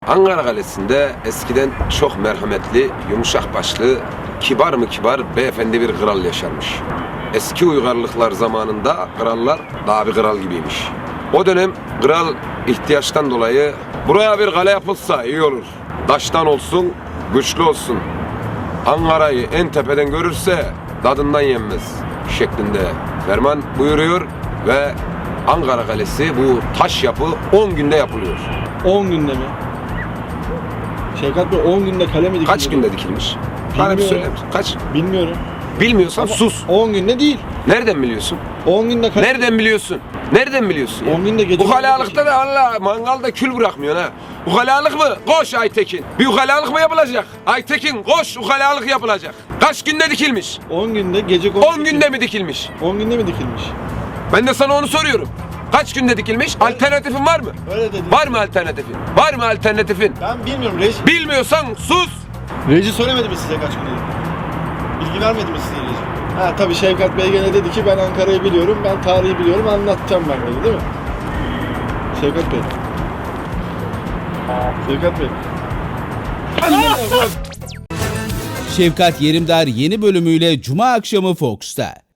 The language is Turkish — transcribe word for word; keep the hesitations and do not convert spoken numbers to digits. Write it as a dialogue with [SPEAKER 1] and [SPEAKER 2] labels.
[SPEAKER 1] Ankara Kalesi'nde eskiden çok merhametli, yumuşak başlı, kibar mı kibar beyefendi bir kral yaşarmış. Eski uygarlıklar zamanında krallar daha bir kral gibiymiş. O dönem kral ihtiyaçtan dolayı buraya bir kale yapılsa iyi olur. Taştan olsun, güçlü olsun. Ankara'yı en tepeden görürse tadından yenmez şeklinde ferman buyuruyor ve Ankara Kalesi bu taş yapı on günde yapılıyor.
[SPEAKER 2] on günde mi? Şevkat Bey on günde kale mi dikildi?
[SPEAKER 1] Kaç günde dikilmiş? Bana bir
[SPEAKER 2] Bilmiyorum.
[SPEAKER 1] söyler misin? Kaç?
[SPEAKER 2] Bilmiyorum.
[SPEAKER 1] Bilmiyorsan
[SPEAKER 2] Ama
[SPEAKER 1] sus.
[SPEAKER 2] on günde değil.
[SPEAKER 1] Nereden biliyorsun?
[SPEAKER 2] on günde kale...
[SPEAKER 1] Nereden biliyorsun? Nereden biliyorsun ya?
[SPEAKER 2] on günde gece...
[SPEAKER 1] Ukalalıkta da Allah mangalda kül bırakmıyorsun ha. Ukalalık mı? Koş Aytekin. Bir ukalalık mı yapılacak? Aytekin koş, ukalalık yapılacak. Kaç günde dikilmiş?
[SPEAKER 2] on günde gece...
[SPEAKER 1] on günde mi dikilmiş?
[SPEAKER 2] on günde mi dikilmiş?
[SPEAKER 1] Ben de sana onu soruyorum. Kaç günde dikilmiş? Alternatifin var mı?
[SPEAKER 2] Öyle dedim.
[SPEAKER 1] Var mı alternatifin? Var mı alternatifin?
[SPEAKER 2] Ben bilmiyorum. Reji...
[SPEAKER 1] Bilmiyorsan sus.
[SPEAKER 2] Reji söylemedi mi size kaç günde? Bilgi vermedi mi size Reji? Ha tabii Şevkat Bey gene dedi ki ben Ankara'yı biliyorum, ben tarihi biliyorum, anlatacağım ben dedi değil mi? Şevkat Bey. Şevkat Bey.
[SPEAKER 3] Şefkat Yerimdar yeni bölümüyle Cuma akşamı Fox'ta.